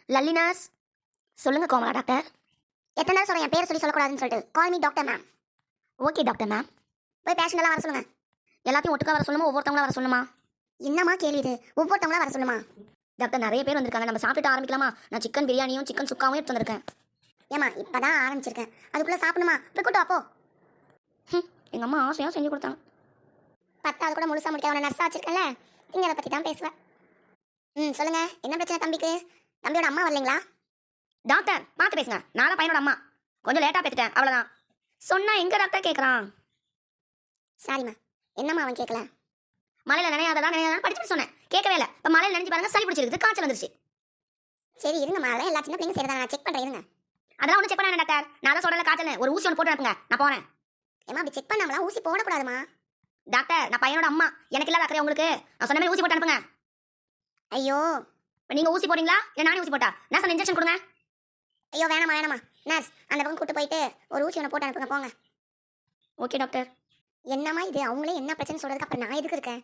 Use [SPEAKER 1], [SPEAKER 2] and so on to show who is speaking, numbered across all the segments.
[SPEAKER 1] Lalli nurse. சொல்லுங்க Komala doctor. எத்தனை நேரம் சொல்கிறேன் என் பேர் சொல்லக்கூடாதுன்னு சொல்லிட்டு. Call me doctor ma'am. Okay doctor ma'am. போய் பேஷண்ட் எல்லாம் வர சொல்லுங்க. எல்லாத்தையும் ஒட்டுக்கா வர சொல்லுமா, ஒவ்வொருத்தவங்களா வர சொல்லுமா? என்னம்மா கேள்வி இது? ஒவ்வொருத்தவங்களா வர சொல்லுமா? டாக்டர் நிறைய பேர் வந்திருக்காங்க, நம்ம சாப்பிட்டு ஆரம்பிக்கலாமா? நான் சிக்கன் பிரியாணியும் சிக்கன் சுக்காவும் எடுத்து வந்திருக்கேன். ஏமா இப்பதான் ஆரம்பிச்சிருக்கேன், அதுக்குள்ள சாப்பிடணுமா? போய் கூட்டு அப்போ. எங்க அம்மா ஆசையாக செஞ்சு கொடுத்தாங்க. 10வது கூட முழுசா முடிக்க அவனை நர்ஸா வச்சிருக்கேன்ல, நீங்க அதை பத்தி தான் பேசுவேன். சொல்லுங்க, என்ன பிரச்சனை தம்பிக்கு? தம்பியோட அம்மா வரலைங்களா? டாக்டர் பார்த்து பேசுங்க, நான் தான் பையனோட அம்மா. கொஞ்சம் லேட்டாக பேசிட்டேன், அவ்வளோதான். சொன்னா எங்க டாக்டர் கேட்குறான்? சாரிம்மா, என்னம்மா அவன் கேட்கல? மலையில் நினையாதான் படிச்சுட்டு சொன்னேன், கேட்கவே இல்லை. இப்போ மலையில் நினைச்சு பாருங்க, சளி பிடிச்சிருக்கு, காய்ச்சல் வந்துருச்சு. சரி இருங்க, மழை எல்லா சின்ன பிள்ளைங்க சரிதான், நான் செக் பண்ணுறேன் இருங்க. அதெல்லாம் ஒன்றும் செக் பண்ண டாக்டர், நான் தான் சொல்கிறேன் காய்ச்சல், ஒரு ஊசி ஒன்று போட்டு அனுப்புங்க, நான் போகிறேன். ஏமா அப்படி செக் பண்ணாமலாம் ஊசி போடக்கூடாதுமா? டாக்டர் நான் பையனோட அம்மா, எனக்கு இல்லாத அக்கறை உங்களுக்கு, நான் சொன்ன மாதிரி ஊசி போட்டு அனுப்புங்க. ஐயோ இப்போ நீங்கள் ஊசி போடுறீங்களா இல்லை நானே ஊசி போட்டா? நான் சொன்ன இன்ஜெக்ஷன் கொடுங்க. ஐயோ வேணாமா நர்ஸ், அந்த பக்கம் கூட்டு போயிட்டு ஒரு ஊசி ஒன்று போட்டு அனுப்புங்க, போங்க. Okay doctor. என்னம்மா இது, அவங்களே என்ன பிரச்சனை சொல்கிறதுக்கு அப்புறம் நான் எதுக்கு இருக்கேன்?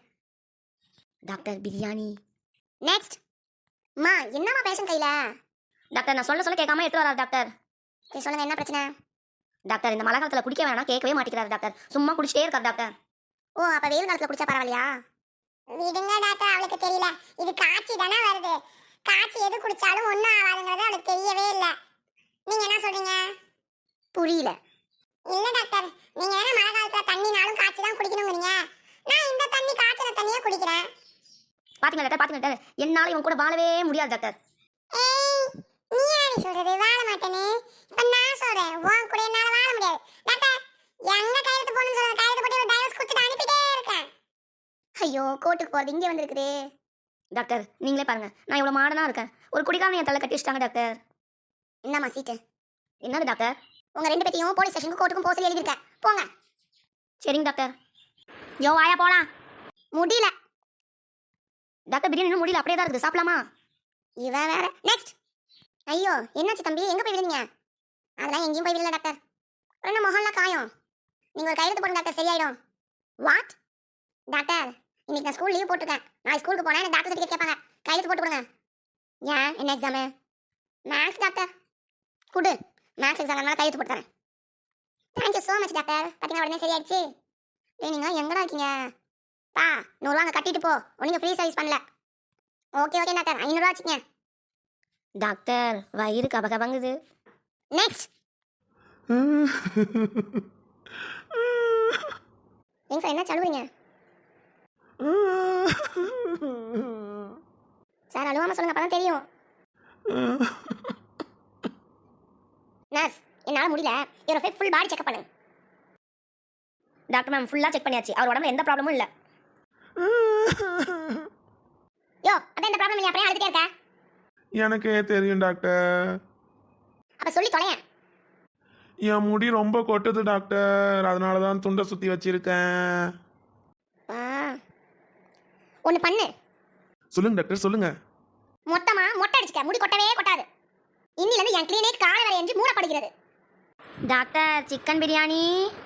[SPEAKER 1] டாக்டர் பிரியாணி. நெக்ஸ்ட். அம்மா என்னம்மா பேஷண்ட் கையில்? டாக்டர் நான் சொல்ல கேட்காம எடுத்து வராரு டாக்டர். சரி சொல்லுங்கள், என்ன பிரச்சனை? டாக்டர் இந்த மழை காலத்தில் குடிக்க வேணாம், கேட்கவே மாட்டேங்கிறாரு டாக்டர், சும்மா குடிச்சிட்டே இருக்காரு டாக்டர். ஓ அப்போ வெயில் காலத்தில் குடிச்சா பரவாயில்லையா? விடுங்க டாக்டர், அவளுக்கு தெரியல, இது காய்ச்சி தானே வருது, காய்ச்சி எது குடிச்சாலும் ஒன்றும் ஆகாதுங்கிறது அவளுக்கு தெரியவே இல்லை. நீங்க என்ன சொல்றீங்க? புரியல. இல்ல டாக்டர், நீங்க என்ன மழை காலத்துல தண்ணினாலும் காய்ச்சி தான் குடிக்கணும்ங்கறீங்க, நான் இந்த தண்ணி காய்ச்சல தண்ணியே குடிக்கிறேன். பாத்தீங்களா டாக்டர், என்னால இவன் கூட வாழவே முடியாது டாக்டர். ஏய் நீ யாரு சொல்றது வாழ மாட்டேன்னு? இப்ப நான் சொல்றேன், உன் கூட என்னால வாழ முடியாது டாக்டர். எங்க கையெழுத்து போடணும்னு சொல்ற, கையெழுத்து போட்டு ஒரு டைவர்ஸ் கொடுத்துட்டு அனுப்பிட்டே இருக்கேன். ஐயோ கோர்ட்டுக்கு போறது இங்கே வந்திருக்குதே. டாக்டர் நீங்களே பாருங்க, நான் இவ்வளவு மாடனா இருக்கேன், ஒரு குடிக்காம என் தலை கட்டி வச்சிட்டாங்க டாக்டர். என்னம்மா சீட்டு? என்னது டாக்டர்? உங்க ரெண்டு பேத்தையும் போலீஸ் ஸ்டேஷனுக்கு கோர்ட்டுக்கும் போக சொல்லி எழுதிருக்கேன், போங்க. சரிங்க டாக்டர். யோ வாயா போலாம். முடியல டாக்டர், பிரியாணி இன்னும் முடியல, அப்படியே தான் இருக்குது, சாப்பிடலாமா? இவ வேற. நெக்ஸ்ட். ஐயோ என்னாச்சு தம்பி, எங்க போய் விழுந்தீங்க? அதெல்லாம் எங்கேயும் போய் விழல டாக்டர், என்ன முகம்லாம் காயம். நீங்க ஒரு கையெழுத்து போடுங்க டாக்டர், சரியாயிடும். வாட்? டாக்டர் இன்னைக்கு நான் ஸ்கூல் லீவ் போட்டிருக்கேன், நான் ஸ்கூலுக்கு போனேன், எனக்கு டாக்டர் சர்டிஃபிகேட் கேட்பாங்க, கையெழுத்து போட்டு கொடுங்க. ஏன் என்ன எக்ஸாமு? Maths doctor. குடு, மேக்ஸ் எக்ஸாம்னால கையெழுத்து போட்டு தரேன். Thank you so much doctor. பார்த்தீங்கன்னா உடனே சரியாயிடுச்சு. நீங்க எங்கடா இருக்கீங்க? பா 100 ரூபா கட்டிட்டு போ, ஒன்றும் ஃப்ரீ சர்வீஸ் பண்ணல. ஓகே டாக்டர், 500 ரூபா வச்சுக்கங்க. டாக்டர் வயிறு கபகபங்குது. நெக்ஸ்ட். ஏங்க சார் என்ன சொல்லுவீங்க சார்? அழுவாம சொல்லுங்க, அப்பதான் தெரியும். நர்ஸ் என்னால் முடியல, இவரை போய் ஃபுல் பாடி செக்அப் பண்ணுங்க. டாக்டர் மேம் ஃபுல்லாக செக் பண்ணியாச்சு, அவர் உடம்புல எந்த ப்ராப்ளமும் இல்லை. யோ அதான் இந்த ப்ராப்ளம் இல்லையா, அப்படியே அழுதுட்டே இருக்க?
[SPEAKER 2] எனக்கே தெரியும் டாக்டர்.
[SPEAKER 1] அப்போ சொல்லி தொலையேன்.
[SPEAKER 2] என் முடி ரொம்ப கொட்டுது டாக்டர், அதனால தான் துண்டை சுற்றி வச்சிருக்கேன்.
[SPEAKER 1] ஒன்று பண்ணு.
[SPEAKER 2] சொல்லுங்க டாக்டர் சொல்லுங்க.
[SPEAKER 1] மொட்டை அடிச்சுக்க, முடி கொட்டவே கொட்டாது. இன்னிலிருந்து என் கிளினிக் காலை வரை என்று மூடப்படுகிறது. Doctor chicken biryani.